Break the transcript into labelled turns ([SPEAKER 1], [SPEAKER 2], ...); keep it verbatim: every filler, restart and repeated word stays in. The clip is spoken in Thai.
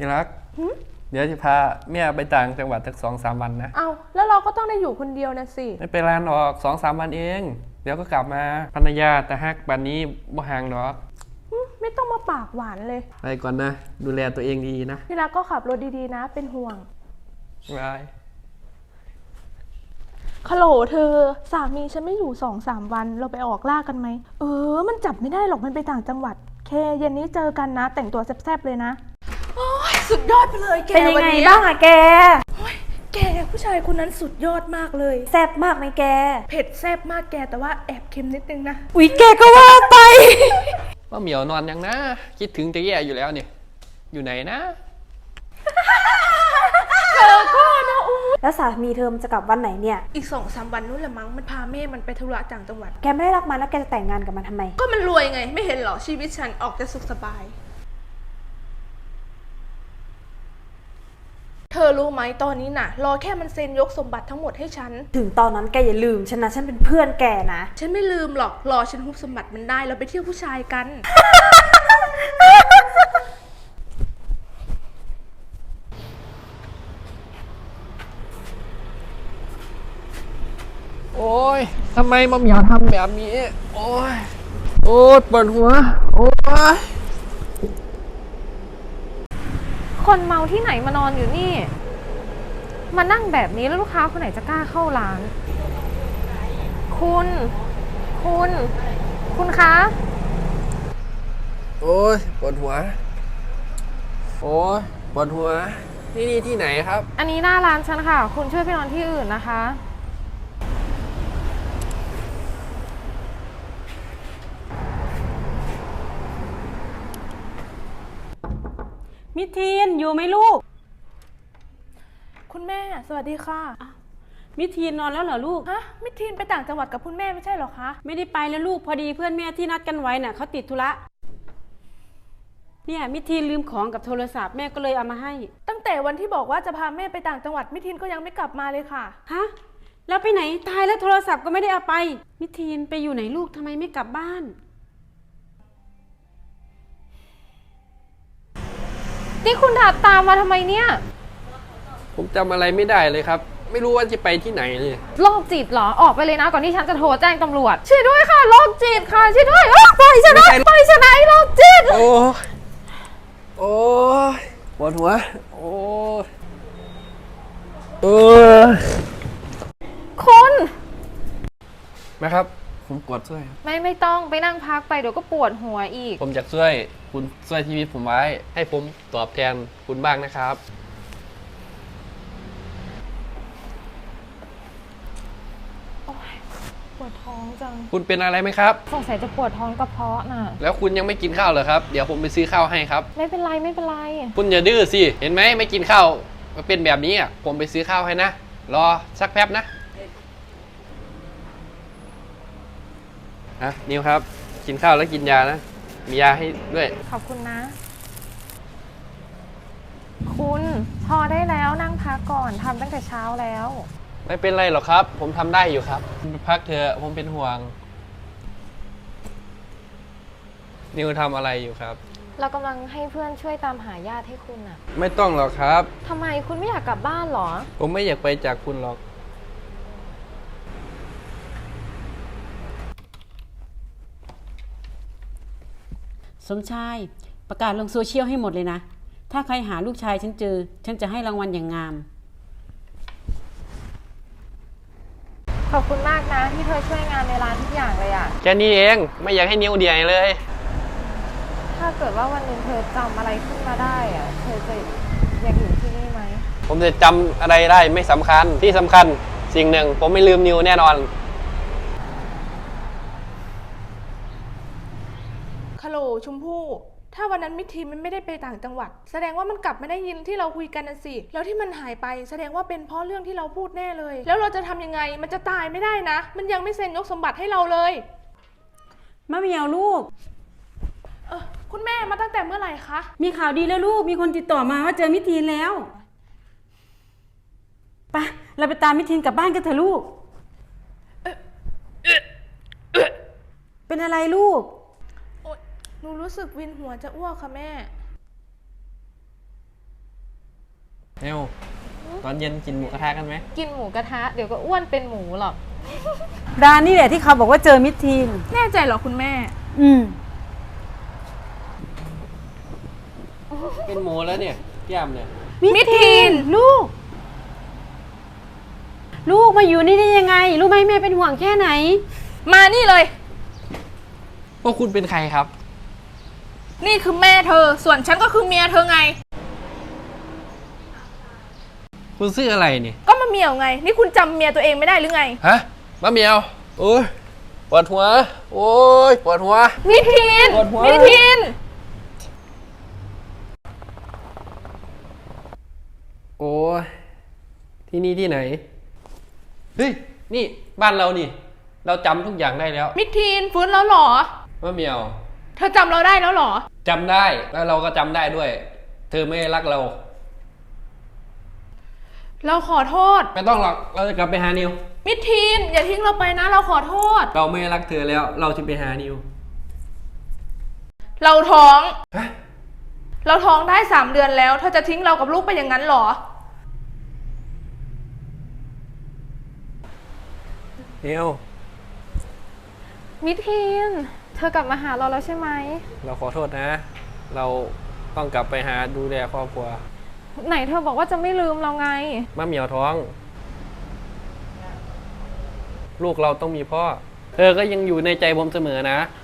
[SPEAKER 1] ที่รักเดี๋ยวจะพาเมียไปต่างจังหวัดสักสองสามวันนะ
[SPEAKER 2] เอาแล้วเราก็ต้องได้อยู่คนเดียวนะสิ
[SPEAKER 1] ไม่เป็นไรหรอกสองสามวันเองเดี๋ยวก็กลับมาภรรยาแต่ฮักบันนี้บ่ห่างหรอก
[SPEAKER 2] ไม่ต้องมาปากหวานเลย
[SPEAKER 1] ไปก่อนนะดูแลตัวเองดีนะ
[SPEAKER 2] ที่รักก็ขับรถดีๆนะเป็นห่วง
[SPEAKER 1] บาย
[SPEAKER 2] ฮัลโหลเธอสามีฉันไม่อยู่สองสามวันเราไปออกล่ากันไหมเออมันจับไม่ได้หรอกมันไปต่างจังหวัดเคเย็นนี้เจอกันนะแต่งตัวแซ่บๆเลยนะโอ้ยสุดยอดไปเลยแก
[SPEAKER 3] เป็นยังไงบ้างอะแก
[SPEAKER 2] โอ้ยแกผู้ชายคนนั้นสุดยอดมากเลย
[SPEAKER 3] แซ่บมากไหมแก
[SPEAKER 2] เผ็ดแซ่บมากแกแต่ว่าแอบเค็มนิดนึงนะ
[SPEAKER 3] อุ๊ยแกก็ว่าไป
[SPEAKER 1] ว่าเหมียวนอนยังนะคิดถึงจะแย่อยู่แล้วเนี่ยอยู่ไหนนะ
[SPEAKER 2] เธอก็นะอู้
[SPEAKER 3] แล้วสามีเธอมันจะกลับวันไหนเนี่ย
[SPEAKER 2] อีกสองสามวันนู้นแหละมั้งมันพาแม่มันไปธุระต่างจังหวัด
[SPEAKER 3] แกไม่ได้รักมันแล้วแกจะแต่งงานกับมันทำไม
[SPEAKER 2] ก็มันรวยไงไม่เห็นหรอชีวิตฉันออกจะสุขสบายเธอรู้ไหมตอนนี้น่ะรอแค่มันเซ็นยกสมบัติทั้งหมดให้ฉัน
[SPEAKER 3] ถึงตอนนั้นแกอย่าลืมฉันนะฉันเป็นเพื่อนแกนะ
[SPEAKER 2] ฉันไม่ลืมหรอกรอฉันฮุบสมบัติมันได้เราไปเที่ยวผู้ชายกัน
[SPEAKER 1] โอ้ยทำไมมะเหมียวทำแบบนี้โอ้ยโอ้ยปวดหัวโอ้ย
[SPEAKER 4] คนเมาที่ไหนมานอนอยู่นี่มานั่งแบบนี้แล้วลูกค้าคนไหนจะกล้าเข้าร้านคุณคุณคุณคะ
[SPEAKER 1] โอ้ยปวดหัวโอ้ยปวดหัวนี่นี่ที่ไหนครับ
[SPEAKER 4] อันนี้หน้าร้านฉันค่ะคุณช่วยไปนอนที่อื่นนะคะ
[SPEAKER 5] มิทีนอยู่ไหมลูก
[SPEAKER 2] คุณแม่สวัสดีค่ะ
[SPEAKER 5] มิทีนนอนแล้วเหรอลูก
[SPEAKER 2] ฮะมิทีนไปต่างจังหวัดกับคุณแม่ไม่ใช่หรอคะ
[SPEAKER 5] ไม่ได้ไปแล้วลูกพอดีเพื่อนแม่ที่นัดกันไว้น่ะเขาติดธุระเนี่ยมิทีนลืมของกับโทรศัพท์แม่ก็เลยเอามาให้
[SPEAKER 2] ตั้งแต่วันที่บอกว่าจะพาแม่ไปต่างจังหวัดมิทีนก็ยังไม่กลับมาเลยค่ะ
[SPEAKER 5] ฮะแล้วไปไหนตายแล้วโทรศัพท์ก็ไม่ได้เอาไปมิทีนไปอยู่ไหนลูกทำไมไม่กลับบ้าน
[SPEAKER 4] นี่คุณถัดตามมาทำไมเนี่ย
[SPEAKER 1] ผมจำอะไรไม่ได้เลยครับไม่รู้ว่าจะไปที่ไหนเลย
[SPEAKER 4] โรคจิตเหรอออกไปเลยนะก่อนที่ฉันจะโทรแจ้งตำรวจช่วยด้วยค่ะโรคจิตค่ะช่วยด้วยปล่อยฉันนะปล่อยฉันนะโรคจิต
[SPEAKER 1] โอ้โอ้ปวดหัวโอ้เออ
[SPEAKER 4] คุณ
[SPEAKER 1] นะครับผมปวดช่วย
[SPEAKER 4] ไม่ไม่ต้องไปนั่งพักไปเดี๋ยวก็ปวดหัวอีก
[SPEAKER 1] ผมอยากช่วยคุณช่วยชีวิตผมไว้ให้ผมตอบแทนคุณบ้างนะครับ
[SPEAKER 4] ปวดท้องจัง
[SPEAKER 1] คุณเป็นอะไรไหมครับ
[SPEAKER 4] สงสัยจะปวดท้องกระเพาะน่ะ
[SPEAKER 1] แล้วคุณยังไม่กินข้าวเหรอครับเดี๋ยวผมไปซื้อข้าวให้ครับ
[SPEAKER 4] ไม่เป็นไรไม่เป็นไร
[SPEAKER 1] คุณอย่าดื้อสิเห็นไหมไม่กินข้าวมาเป็นแบบนี้อ่ะผมไปซื้อข้าวให้นะรอสักแป๊บนะฮะนิวครับกินข้าวแล้วกินยานะมียาให้ด้วย
[SPEAKER 4] ขอบคุณนะคุณพอได้แล้วนั่งพักก่อนทำตั้งแต่เช้าแล้ว
[SPEAKER 1] ไม่เป็นไรหรอกครับผมทำได้อยู่ครับพักเถอะผมเป็นห่วงนิวทำอะไรอยู่ครับ
[SPEAKER 4] เรากำลังให้เพื่อนช่วยตามหาญาติให้คุณอ่ะ
[SPEAKER 1] ไม่ต้องหรอกครับ
[SPEAKER 4] ทำไมคุณไม่อยากกลับบ้านหรอ
[SPEAKER 1] ผมไม่อยากไปจากคุณหรอก
[SPEAKER 5] สมชายประกาศลงโซเชียลให้หมดเลยนะถ้าใครหาลูกชายฉันเจอฉันจะให้รางวัลอย่างงาม
[SPEAKER 4] ขอบคุณมากนะที่เธอช่วยงานในร้านทุกอย่างเลยอ่ะ
[SPEAKER 1] แค่นี้เองไม่อยากให้นิ้วเดียเลย
[SPEAKER 4] ถ้าเกิดว่าวันหนึ่งเธอจำอะไรขึ้นมาได้อ่ะเธอจะอยากอยู่ที่นี่ไหม
[SPEAKER 1] ผมจะจำอะไรได้ไม่สำคัญที่สำคัญสิ่งหนึ่งผมไม่ลืมนิ้วแน่นอน
[SPEAKER 2] ฮัลโหลชมพู่ถ้าวันนั้นมิทีนมันไม่ได้ไปต่างจังหวัดแสดงว่ามันกลับไม่ได้ยินที่เราคุยกันน่ะสิแล้วที่มันหายไปแสดงว่าเป็นเพราะเรื่องที่เราพูดแน่เลยแล้วเราจะทำยังไงมันจะตายไม่ได้นะมันยังไม่เซ็นยกสมบัติให้เราเลย
[SPEAKER 5] มะเหมียวลูก
[SPEAKER 2] เออคุณแม่มาตั้งแต่เมื่อไหร่คะ
[SPEAKER 5] มีข่าวดีแล้วลูกมีคนติดต่อมาว่าเจอมิทีนแล้วไปเราไปตามมิทีนกลับบ้านกันเถอะลูกเป็นอะไรลูก
[SPEAKER 2] หนูรู้สึกวินหัวจะอ้วกค่ะแม่
[SPEAKER 1] เร็วตอนเย็นกินหมูกระทะกันไหม
[SPEAKER 4] กินหมูกระทะเดี๋ยวก็อ้วนเป็นหมูหรอก
[SPEAKER 5] ร้านนี่แหละที่เขาบอกว่าเจอมิตรทีน
[SPEAKER 2] แน่ใจเหรอคุณแม่
[SPEAKER 5] อืม
[SPEAKER 1] เป็นหมูแล้วเนี่ยพี่ยำเนี่ย
[SPEAKER 2] มิทีน
[SPEAKER 5] ลูก ลูกมาอยู่นี่ได้ยังไง รู้ไหมแม่เป็นห่วงแค่ไหน
[SPEAKER 2] มานี่เลย
[SPEAKER 1] พวกคุณเป็นใครครับ
[SPEAKER 2] นี่คือแม่เธอ ส่วนฉันก็คือเมียเธอไง
[SPEAKER 1] คุณซื้ออะไรเนี่ย
[SPEAKER 2] ก็มาเมียวไง นี่คุณจำเมียตัวเองไม่ได้หรือไง
[SPEAKER 1] ฮะมะเหมียวโอ้ยปวดหัว โอ้ยปวดหัว
[SPEAKER 2] มิทีน
[SPEAKER 1] ปวดหัว
[SPEAKER 2] มิทีน
[SPEAKER 1] โอ้ยที่นี่ที่ไหน เฮ้ย นี่บ้านเรานี่ เราจำทุกอย่างได้แล้ว
[SPEAKER 2] มิทีนฟื้นแล้วเหรอ
[SPEAKER 1] มะเหมียว
[SPEAKER 2] เธอจำเราได้แล้วเหรอ
[SPEAKER 1] จำได้แล้วเราก็จำได้ด้วย เธอไม่รักเรา
[SPEAKER 2] เราขอโทษ
[SPEAKER 1] ไม่ต้องหรอกเราจะกลับไปหานิว
[SPEAKER 2] มิทีน อย่าทิ้งเราไปนะ เราขอโทษ
[SPEAKER 1] เราไม่รักเธอแล้ว เราจะไปหานิว
[SPEAKER 2] เราท้อง
[SPEAKER 1] ฮะ
[SPEAKER 2] เราท้องได้สามเดือนแล้ว เธอจะทิ้งเรากับลูกไปอย่างนั้นเหรอ
[SPEAKER 1] นิว
[SPEAKER 4] มิทีน เธอกลับมาหาเราแล้วใช่ไหม
[SPEAKER 1] เราขอโทษนะ เราต้องกลับไปหาดูแลครอบครัว
[SPEAKER 4] ไหนเธอบอกว่าจะไม่ลืมเราไง
[SPEAKER 1] มะเหมียวท้อง ลูกเราต้องมีพ่อ เธอก็ยังอยู่ในใจผมเสมอนะ